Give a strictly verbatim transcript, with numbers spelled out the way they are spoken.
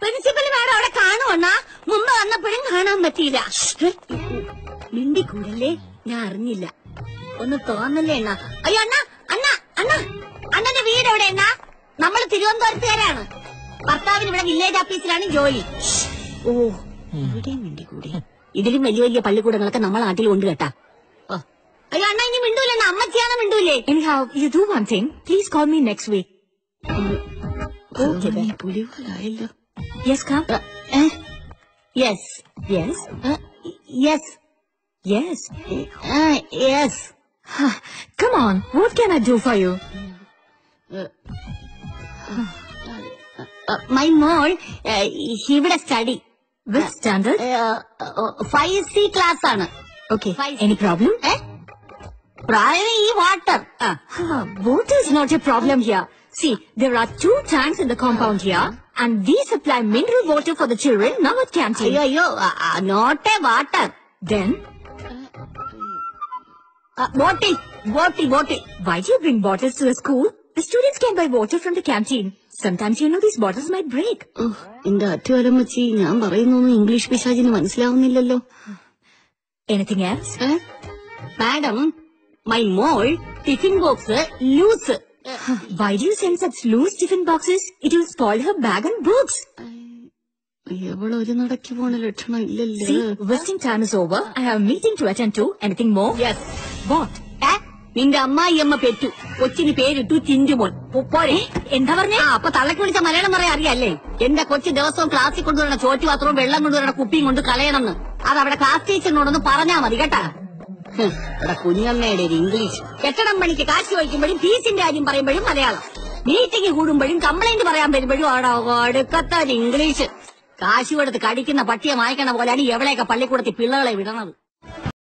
Principal madam അവിടെ കാണുവണ്ണാ. മുമ്പ് വന്നപ്പോഴും കാണാൻ പറ്റിയില്ല. മിണ്ടിക്കൂടല്ലേ, ഞാൻ അറിഞ്ഞില്ല. ഒന്ന് തോന്നല്ലേ അണ്ണ. അയ്യോ അണ്ണ അണ്ണ അണ്ണ അണ്ണന്റെ വീട് എവിടെ അണ്ണ? നമ്മൾ തിരുവനന്തപുരത്തുകാരാണ്. ഭർത്താവിന് ഇവിടെ വില്ലേജ് ഓഫീസിലാണ് ജോലി. ഓ ഇവിടെയും മിണ്ടിക്കൂടി. ഇതിലും വലിയ വലിയ പള്ളിക്കൂടങ്ങളൊക്കെ നമ്മളെ നാട്ടിൽ ഉണ്ട് കേട്ടാ. അയ്യോ അണ്ണ ഇനി മിണ്ടൂല. അമ്മച്ചിയാണ് മിണ്ടൂലേ. Anyhow, you do one thing. Please call me next week. Okay, പുലിവാലായല്ലോ. Yes, come. Yes. Yes. Yes. Yes. Yes. Come on. What can I do for you? My മോൾ ഇവിടെ study. Which standard? Five C class ആണ്. Okay. Any problem? പ്രായം ഈ water. Water is not a problem here. See, there are two tanks in the compound here, and we supply mineral water for the children now at canteen. അയ്യോ അയ്യോ not a water. Then? Bottle bottle bottle. Why do you bring bottles to the school? The students can buy water from the canteen. Sometimes you know these bottles might break. എന്റെ അറ്റുവലം വെച്ച് ഞാൻ പറയുന്നൊന്നും English പിശാചിന് മനസ്സിലാവുന്നില്ലല്ലോ. Anything else? Madam, my മോൾ tiffin box loose. Why do you send such loose tiffin boxes? It will spoil her bag and books. എവള് ഒരു നടക്കി പോണ ലക്ഷണം ഇല്ലല്ലോ. See, wasting time is over. I have a meeting to attend to. Anything more? Yes. What? നിന്റെ അമ്മായി അമ്മ പെറ്റു. കൊച്ചിന് പേരിട്ടു ചിഞ്ചുമോൻ. പോരെ. എന്താ പറഞ്ഞേ? അപ്പൊ തള്ളക്ക് വിളിച്ച മലയാളം പറയാൻ അറിയാല്ലേ? എന്റെ കൊച്ചു ദിവസവും ക്ലാസ്സിൽ കൊണ്ടുവരണ ചോറ്റു പാത്രവും വെള്ളം കൊണ്ടുവരണ കുപ്പിയും കൊണ്ട് കളയണമെന്ന് അത് അവിടെ ക്ലാസ് ടീച്ചറിനോടൊന്ന് പറഞ്ഞാ മതി കേട്ടാ. ഇവിടെ കുഞ്ഞമ്മയുടെ ഒരു ഇംഗ്ലീഷ്. കെട്ടിടം പണിക്ക് കാശ് വഹിക്കുമ്പോഴും ഫീസിന്റെ കാര്യം പറയുമ്പോഴും മലയാളം. മീറ്റിംഗ് കൂടുമ്പോഴും കംപ്ലൈന്റ് പറയാൻ വരുമ്പോഴും അവിടെ അടുക്കത്ത ഇംഗ്ലീഷ്. കാശ് കൊടുത്ത് കടിക്കുന്ന പട്ടിയെ മായ്ക്കണ പോലെയാണ് എവിടെയൊക്കെ പള്ളിക്കൂടത്തിൽ പിള്ളകളെ വിടണത്.